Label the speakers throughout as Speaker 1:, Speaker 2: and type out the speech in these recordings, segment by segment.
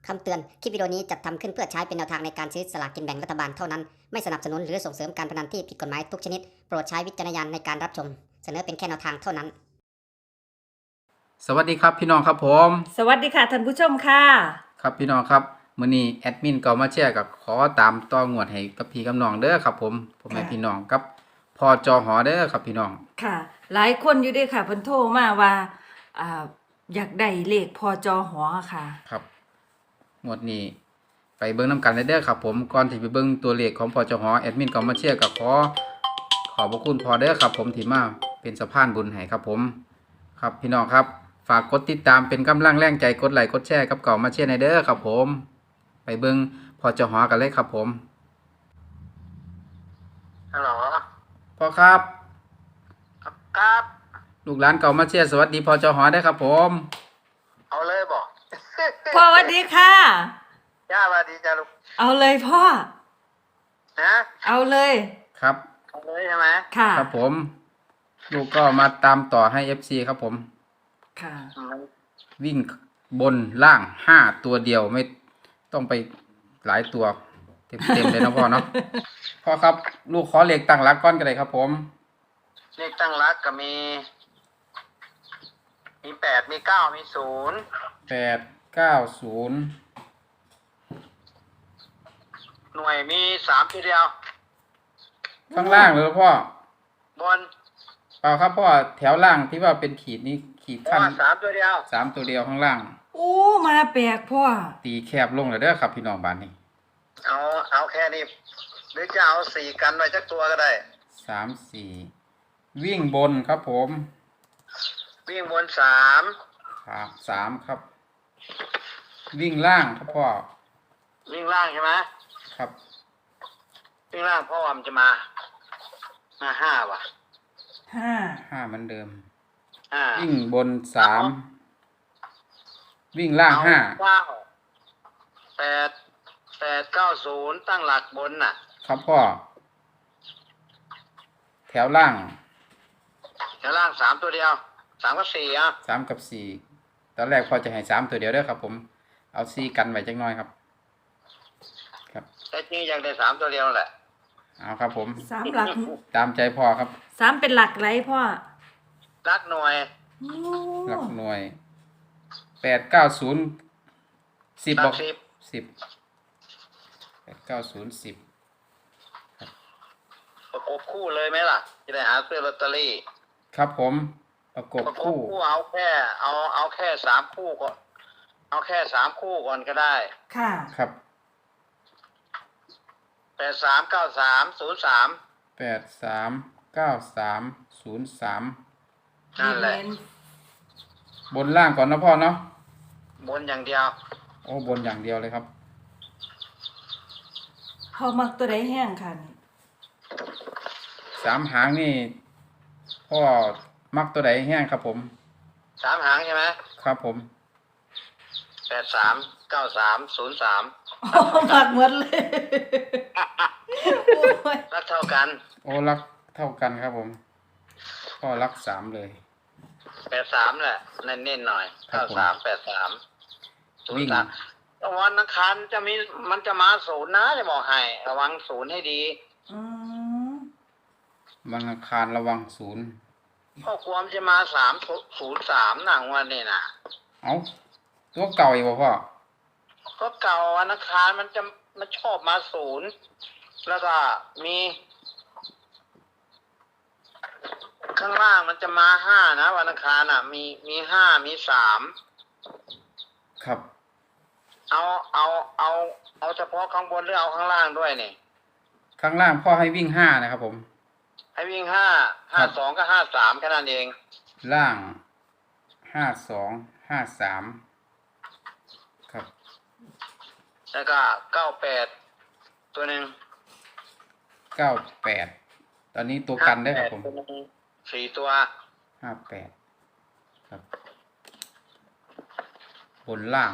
Speaker 1: คำเตือน คลิปวิดีโอนี้จัดทำขึ้นเพื่อใช้เป็นแนวทางในการซื้อสลากกินแบ่งรัฐบาลเท่านั้น ไม่สนับสนุนหรือส่งเสริมการพนันที่ผิดกฎหมายทุกชนิด โปรดใช้วิจารณญาณในการรับชม เสนอเป็นแค่แนวทางเท่านั้น
Speaker 2: สวัสดีครับพี่น้องครับผม
Speaker 3: สวัสดีค่ะท่านผู้ชมค่ะ
Speaker 2: ครับพี่น้องครับมื้อนี้แอดมินก็มาแชร์กับขอตามต่องวดให้กับพี่กับน้องเด้อครับผมแม่พี่น้องกับพอจอหอเด้อครับพี่น้อง
Speaker 3: ค่ะ หลายคนอยู่ด้วยค่ะเพิ่นโทรมาว่าอยากได้เลขพอจอหอค่ะ
Speaker 2: ครับงวดนี้ไปเบิ่งนํกันเด้อครับผมก่อนที่ไปเบิ่งตัวเลขของพอจอหอแอดมินก็มาแชร์กับขอบพระคุณพอเด้อครับผมที่มาเป็นสะพานบุญให้ครับผมครับพี่น้องครับฝากกดติดตามเป็นกำลังแรงใจกดไลค์กดแชร์กับเก่ามาแชร์ในเด้อครับผมไปเบิ่งพอจอหอกันเลยครับผม
Speaker 4: ฮัลโหล
Speaker 2: พ่อครับ
Speaker 4: ครับ
Speaker 2: ลูกหลานเก่ามาเชียร์สวัสดีพอจอหอได้ครับผม
Speaker 4: เอาเลยบอก
Speaker 3: พ่อสวัสดีค่ะ
Speaker 4: ย่าสวัสดีจ้าลูก
Speaker 3: เอาเลยพ่อ
Speaker 4: นะ
Speaker 3: เอาเลย
Speaker 2: ครับ
Speaker 4: เอาเลยใช่ไหม
Speaker 3: ค่ะ
Speaker 2: ครับผม ลูกก็มาตามต่อให้ FC ครับผม
Speaker 3: ค่ะ
Speaker 2: วิ่งบนล่าง5ตัวเดียวไม่ต้องไปหลายตัวเต็มเลยนะพ่อเนาะ พ่อครับลูกขอเลขตั้งหลักก้อนกันเลยครับผม
Speaker 4: เลขตั้งรักก็มี 8 มี 9 มี
Speaker 2: 890
Speaker 4: 0 หน่วยมี 3 ทีเดียว
Speaker 2: ข้างล่างเลยพ่อบ
Speaker 4: น
Speaker 2: เปล่าครับพ่อแถวล่างที่ว่าเป็นขีดนี้ขีด
Speaker 4: เพราะ
Speaker 2: ขั้น
Speaker 4: ว่า3 ตัวเดียว
Speaker 2: 3ตัวเดียวข้างล่าง
Speaker 3: โอ้มาแปลกพ่อ
Speaker 2: ตีแคบลงเลยเด้อครับพี่น้องบ้านนี้
Speaker 4: เอาแค่นี้ หรือจะเอา 4 กันไว้จักตัวก็ได้
Speaker 2: 3-4 วิ่งบนครับผม
Speaker 4: วิ่งบน
Speaker 2: ครับ3ครับ วิ่งล่างครับพ่อ
Speaker 4: 3 วิ่งล่างใช่ไหม
Speaker 2: ครับ
Speaker 4: วิ่งล่างเพราะว่ามันจะมา 5 ว่ะ
Speaker 3: 5
Speaker 2: 5เหมือนเดิม
Speaker 4: 5
Speaker 2: วิ่งบน3วิ่งล่าง5
Speaker 4: 890 ตั้งหลักบนน่ะ
Speaker 2: ครับพ่อ แถวล่าง
Speaker 4: แถวล่าง3 ตัวเดียว 3 กับ 4อ่ะ
Speaker 2: 3กับ4ตอนแรกพ่อจะให้3ตัวเดียวเด้อครับผมเอา4กันไว้จักหน่อยครับ ครับ
Speaker 4: แต่จริงอยากได้3 ตัวเดียวแหละ
Speaker 2: เอาครับผม
Speaker 3: 3 หลัก
Speaker 2: ตามใจพ่อครับ
Speaker 3: 3เป็นหลักไรพ่อ
Speaker 4: รักหน่วย
Speaker 3: โอ้
Speaker 2: หลักหน่วย890 10
Speaker 4: รั
Speaker 2: บอก
Speaker 4: ก10
Speaker 2: 10 890 10
Speaker 4: ประกบคู่เลยไหมล่ะ จะได้หาซื้อลอตเตอรี่
Speaker 2: ครับผมประกบ
Speaker 4: ประกบ
Speaker 2: คู่
Speaker 4: คู่เอาแค่3 คู่ก่อน เอาแค่3 คู่ก่อนก็ได้
Speaker 3: ค่ะ
Speaker 2: ครับ
Speaker 4: 839303
Speaker 2: 839303
Speaker 4: นั่นแหละ
Speaker 2: บนล่างก่อนนะพ่อเนาะ
Speaker 4: บนอย่างเดียว
Speaker 2: โอ้บนอย่างเดียวเลยครับ
Speaker 3: พ่อมักตัวใดแห้งค่ะนี่
Speaker 2: 3 หางนี่พ่อมักตัวไหนแห้งครับผม
Speaker 4: 3 หางใช่ไหม
Speaker 2: ครับผม
Speaker 4: 839303
Speaker 3: โอ้มักหมดเลยโอ้ย
Speaker 4: รักเท่ากัน
Speaker 2: โอ้รักเท่ากันครับผมพ่อรัก3เลย
Speaker 4: 83แหละเน้นๆหน่อย
Speaker 2: ครับผม
Speaker 4: 9383
Speaker 2: วิ่ง
Speaker 4: 03วันอังคารมันจะมา0นะจะบอกให้ระวัง0ให้ดี
Speaker 3: อืม
Speaker 2: วันอังคารระวัง0
Speaker 4: ข้อความจะมา303หนังวันนี้นะ
Speaker 2: เอาตัวเก่าอีกบ่พ่อ
Speaker 4: ก็เก่าวันอังคารมันชอบมา0แล้วก็มีข้างล่างมันจะมา5นะวันอังคารอ่ะ มี5มี3
Speaker 2: ครับ
Speaker 4: เอาเฉพาะข้างบนหรือเอาข้างล่างด้วยนี่
Speaker 2: ข้างล่างพ่อให้วิ่ง5นะครับผม
Speaker 4: ให้วิ่ง5
Speaker 2: ครับ
Speaker 4: 52กับ53แค่นั้นเอง
Speaker 2: ล่าง52 53ครับ
Speaker 4: แล้วก็98ตัวหนึ่ง
Speaker 2: 98ตอนนี้ตัวกันได้ครับผม
Speaker 4: 58ตัวหนึ่ง4 ตัว
Speaker 2: 58ครับ บนล่าง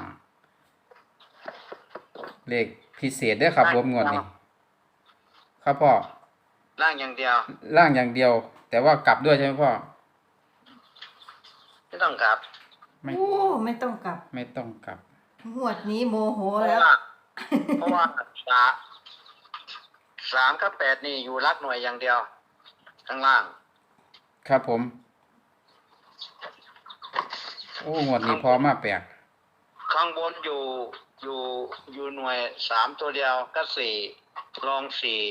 Speaker 2: เลขพิเศษเด้อครับผมงวดนี้ครับพ่อ
Speaker 4: ล่างอย่างเดียว
Speaker 2: ล่างอย่างเดียว แต่ว่ากลับด้วยใช่ไหมพ่อ
Speaker 4: ไม่ต้องกลับ
Speaker 2: ไม่
Speaker 3: โอ้ไม่ต้องกลับ
Speaker 2: ไม่ต้องกลับ
Speaker 3: งวดนี้โมโห
Speaker 4: เพราะ
Speaker 3: แล้ว
Speaker 4: ว่าเพราะว่า3กับ8นี่อยู่รักหน่วยอย่างเดียวข้างล่าง
Speaker 2: ครับผม โอ้งวดนี้พอมาแปลก
Speaker 4: ข้างบนอยู่หน่วย3ตัวเดียวก็4รอง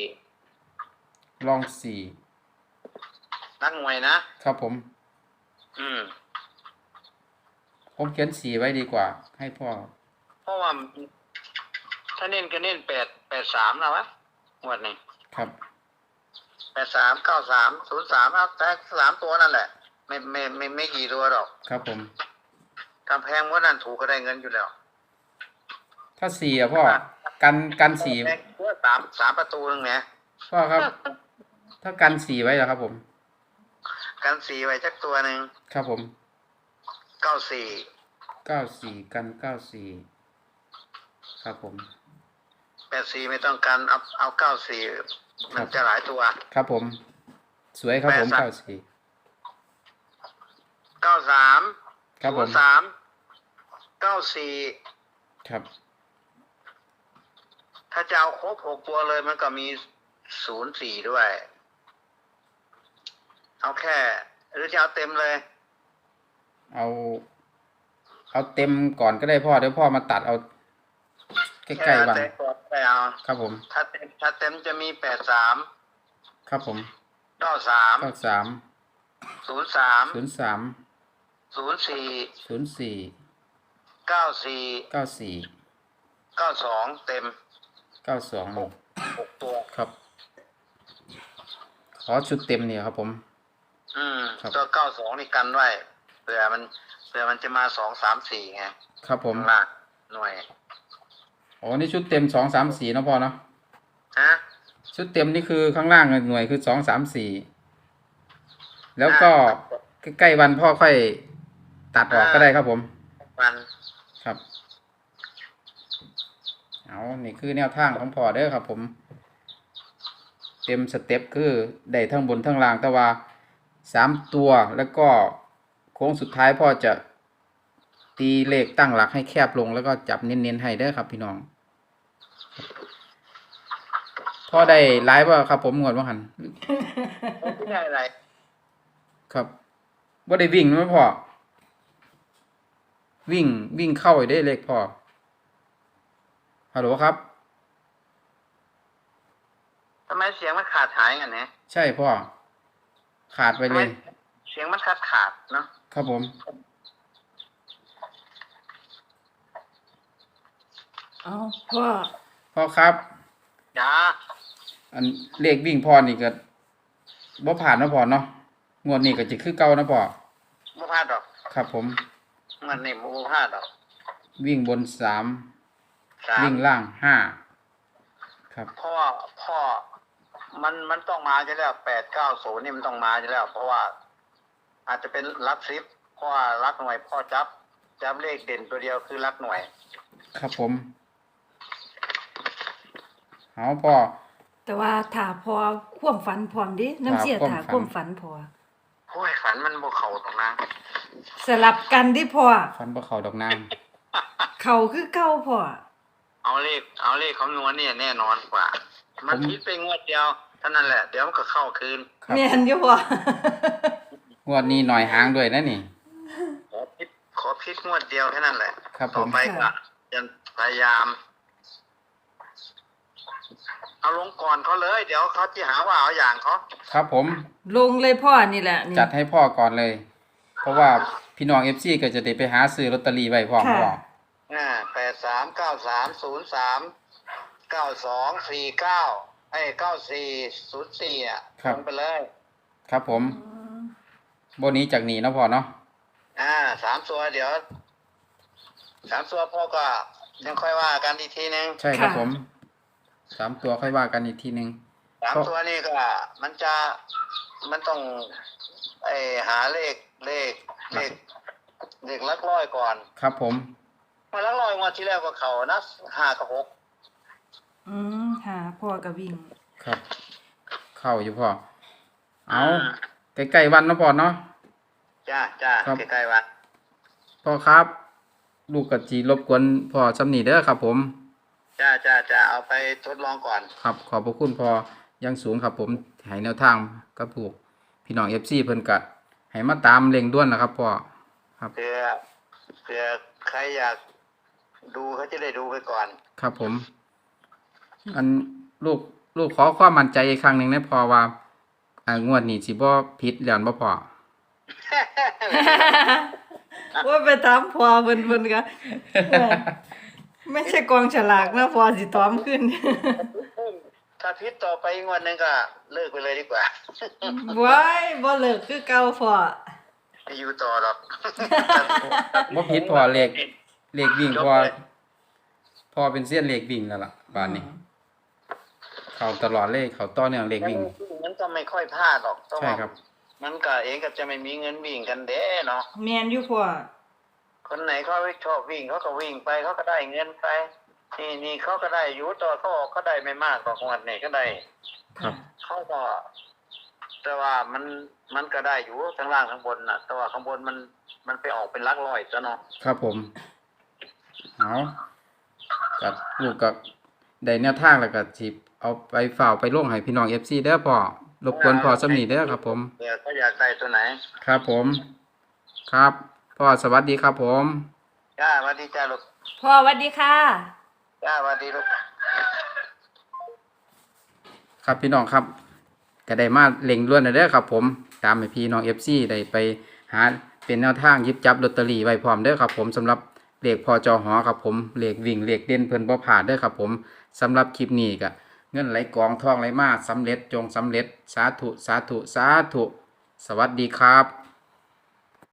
Speaker 4: 4
Speaker 2: ลองสี่
Speaker 4: นักหน่วยนะครับ
Speaker 2: ผม
Speaker 4: อืม
Speaker 2: ผมเขียนสี่ไว้ดีกว่า ให้พ่อ
Speaker 4: เพราะว่าถ้าเน้นก็เน้น883นะวะงวดนี้
Speaker 2: ครับ
Speaker 4: 83 93 03ครับแต่3ตัวนั่นแหละ ไม่กี่ตัวหรอก
Speaker 2: ครับผม
Speaker 4: กำแพงว่านั่นถูกก็ได้เงินอยู่แล้ว
Speaker 2: ถ้าสี่อะพ่อ กันสี่
Speaker 4: แพงเพื่อสามประตูนึงเนี่ย
Speaker 2: พ่อครับ ถ้ากันสี่ไว้แล้วครับผม
Speaker 4: กัน4ไว้จักตัวหนึ่ง
Speaker 2: ครับผม
Speaker 4: 94
Speaker 2: เก้าสี่กันเก้าสี่ครับผม
Speaker 4: 84ไม่ต้องกันเอา94มันจะหลายตัว
Speaker 2: ครับผม สวยครับผม
Speaker 4: แปดสาม
Speaker 2: เก้าสี่
Speaker 4: 93
Speaker 2: ครับผม
Speaker 4: 03 94
Speaker 2: ครับ
Speaker 4: ถ้าจะเอาครบ6ตัวเลยมันก็มี04ด้วย เอาแค่หรือจะเอาเต็มเลย
Speaker 2: เอาเต็มก่อนก็ได้พ่อ เดี๋ยวพ่อมาตัดเอาใกล้ๆวัน
Speaker 4: เต็มก่อนไปเอา
Speaker 2: ครับผม
Speaker 4: ถ้าเต็มจะมี83
Speaker 2: ครับผม
Speaker 4: 93
Speaker 2: เก้าสาม
Speaker 4: 03
Speaker 2: ศูนย์สาม
Speaker 4: 04
Speaker 2: ศูนย์สี่
Speaker 4: 94
Speaker 2: เก้าสี่
Speaker 4: 92เต็ม
Speaker 2: 92
Speaker 4: 6ตัว
Speaker 2: ครับ ขอชุดเต็มเนี่ยครับผม ครับ
Speaker 4: ตัว92นี่กันไว้เผื่อมันจะมา2 3 4ไง
Speaker 2: ครับผม
Speaker 4: ข้างล่างหน่วย
Speaker 2: อ๋อนี่ชุดเต็ม2 3 4เนาะพ่อเนาะ
Speaker 4: ฮะ
Speaker 2: ชุดเต็มนี่คือข้างล่างหน่วยคือ2 3 4แล้วก็ใกล้ๆวันพ่อค่อยตัดออกก็ได้ครับผม
Speaker 4: มัน
Speaker 2: ครับ เอานี่คือแนวทางของพ่อเด้อครับผม เต็มสเต็ปคือได้ทั้งบนทั้งล่างแต่ว่า3ตัวแล้วก็โค้งสุดท้ายพ่อจะตีเลขตั้งหลักให้แคบลงแล้วก็จับเน้นๆให้เด้อครับพี่น้องพ่อได้ไลฟ์ว่าครับผมงวดว่าหัน
Speaker 4: ไม่ได้อะไร
Speaker 2: ครับว่าได้วิ่งไหมพ่อวิ่งเข้าไอ้ได้เลขพ่อฮัลโหลครับ
Speaker 4: ทำไมเสียงมันขาดหายกันเนี่ย
Speaker 2: ใช่พ่อขาดไปเลย
Speaker 4: เสียงมันขาดเนาะ
Speaker 2: ครับผม
Speaker 3: เอาพ่อ
Speaker 2: พ่อครับ
Speaker 4: จ้า
Speaker 2: อันเลขวิ่งพ่อนี่ก็บ่ผ่านนะพ่อเนาะงวดนี้ก็จะคือเก่านะพ่อ
Speaker 4: ไม่พลาดหรอก
Speaker 2: ครับผม
Speaker 4: มันนี่ไม่พลาดหรอก
Speaker 2: วิ่งบน3
Speaker 4: 3
Speaker 2: วิ่งล่าง5ครับ
Speaker 4: พ่อมันต้องมาจะแล้ว890นี่มันต้องมาจะแล้ว เพราะว่า อาจจะเป็นรักซิปเพราะว่ารักหน่วยพ่อจับเลขเด่นตัวเดียวคือรักหน่วย
Speaker 2: ครับผมเอาพ่อ
Speaker 3: แต่ว่าถ้าพอความฝันพร้อมดิน้ำเสีย
Speaker 2: ครั
Speaker 3: ถ้า
Speaker 2: บ
Speaker 3: ความฝันพอ
Speaker 4: โอ้ยฝันมันบ่เข้าตรงนั้น
Speaker 3: สลับกันดิพ่อ
Speaker 2: ฟันบ่เข้าดอกนาง
Speaker 3: เขาคือเก่าพ่อ
Speaker 4: เอาเลขคำนวณเนี่ยแน่นอนกว่า มันคิดไปงวดเดียวเท่านั้นแหละ เดี๋ยวมันก็เข้าคืน
Speaker 2: ครับ
Speaker 3: แม่นอยู่พ่อง
Speaker 2: วดนี้หน่อยหางด้วยนะนี่
Speaker 4: ขอพิษงวดเดียวแค่นั้นแหละ
Speaker 2: ครับผม
Speaker 4: ต่อไปก็จะพยายาม เอาลงก่อนเขาเลย เดี๋ยวเขาจะหาว่าเอาอย่างเขา
Speaker 2: ครับผม
Speaker 3: ลงเลยพ่อนี่แหละนี่
Speaker 2: จัดให้พ่อก่อนเลย เพราะว่าพี่น้อง FC ก็จะได้ไปหาซื้อลอตเตอรี่ไว้พร้อมพ่อ
Speaker 4: 83 93 03 92 49 94 อ่ะ
Speaker 2: ครับ
Speaker 4: ลงไปเลย
Speaker 2: ครับผม
Speaker 3: อืม
Speaker 2: บนนี้จากหนีเนาะพ่อเนาะ
Speaker 4: 3 ตัวเดี๋ยว 3 ตัวพ่อก็ยังค่อยว่ากันอีกทีนึง
Speaker 2: ใช่ครับผม3ตัวค่อยว่ากันอีกทีนึง
Speaker 4: 3 ตัวนี่ก็มันต้องหาเลขหลักร้อยก่อน
Speaker 2: ครับผม
Speaker 4: มาหลักร้อยงวดที่แล้วก็เขานะ5 กับ 6
Speaker 3: หาพ่อก็วิ่ง
Speaker 2: ครับ เข้าอยู่พ่อ เอาใกล้ๆวันเนาะพ่อเนาะ
Speaker 4: จ้า
Speaker 2: ครับ
Speaker 4: ใกล้ๆวัน
Speaker 2: พ่อครับลูกกะจีรบกวนพ่อสำนีเด้อครับผม
Speaker 4: จะเอาไปทดลองก่อน
Speaker 2: ครับขอบพระคุณพอยังสูงครับผมให้แนวทางกับผูกพี่น้อง FC เพิ่นกัดให้มาตามเร่งด่วนนะครับพ่อครับ
Speaker 4: เผื่อใครอยากดูเขาจะได้ดูไปก่อน
Speaker 2: ครับผม อันลูกขอความมั่นใจอีกครั้งหนึงนะพอว่างวดนี้สิบ่ผิดแล้วบ่พอ
Speaker 3: ว่าไปถามพอเพิ่นก็ไม่ใช่กองฉลากนะพอสิตอมขึ้น
Speaker 4: ถ้าพิษต่อไปอีกวันหนึงก็เลิกไปเลยดีกว่า
Speaker 3: ว้ายบ่เลิกคือเก่าพอ
Speaker 4: ไม่อยู่ต่อหรอก
Speaker 2: บ่ผิดพอเลขวิ่งพอเป็นเสี้ยนเลขวิ่งแล้วล่ะบาดนี้ เข้าตลอดเลยเข้าต่อเนื่องเลขวิ่ง
Speaker 4: มันก็ไม่ค่อยพลาดหรอกต้อง
Speaker 2: ใช่ครับ
Speaker 4: มันก็เองก็จะไม่มีเงินวิ่งกันเด้เนาะ
Speaker 3: แม่นอยู่พ่อ
Speaker 4: คนไหนเขาชอบวิ่งเขาก็วิ่งไปเขาก็ได้เงินไปนี่เขาก็ได้อยู่ต่อเขาออกเขาได้ไม่มากหรอกวันนี้ก็ได้
Speaker 2: ครับ
Speaker 4: เขาก็ แต่ว่ามันก็ได้อยู่ทั้งล่างทั้งบนน่ะ แต่ว่าข้างบนมันไปออกเป็นหลักร้อยซะเนาะ
Speaker 2: ครับผมเอากัลูกกับได้แนวทางแล้วก็สิเอาไปฝ่ากไปลงให้พี่น้อง FC เด้อพ่อรบกวนพ่อสำนีเด้อครับผม
Speaker 4: เดี๋ยวเขาอยากได้ตัวไหน
Speaker 2: ครับผม ครับพ่อสวัสดีครับผม
Speaker 4: จ้าสวัสดีจ้าลูก
Speaker 3: พ่อสวัสดีค่ะ
Speaker 4: จ้าสวัสดีลูก
Speaker 2: ครับพี่น้องครับก็ได้มาเล็งล้วนเด้อครับผมตามให้พี่น้อง FC ได้ไปหาเป็นแนวทางหยิบจับลอตเตอรี่ไว้พร้อมเด้อครับผมสำหรับเลขพอจอหอครับผมเลขวิ่งเลขเด่นเพิ่นบ่ผ่านเด้อครับผมสำหรับคลิปนี้ก็เงินไหลกองทองไหลมาสำเร็จจงสำเร็จสาธุสาธุสาธุสวัสดีครับ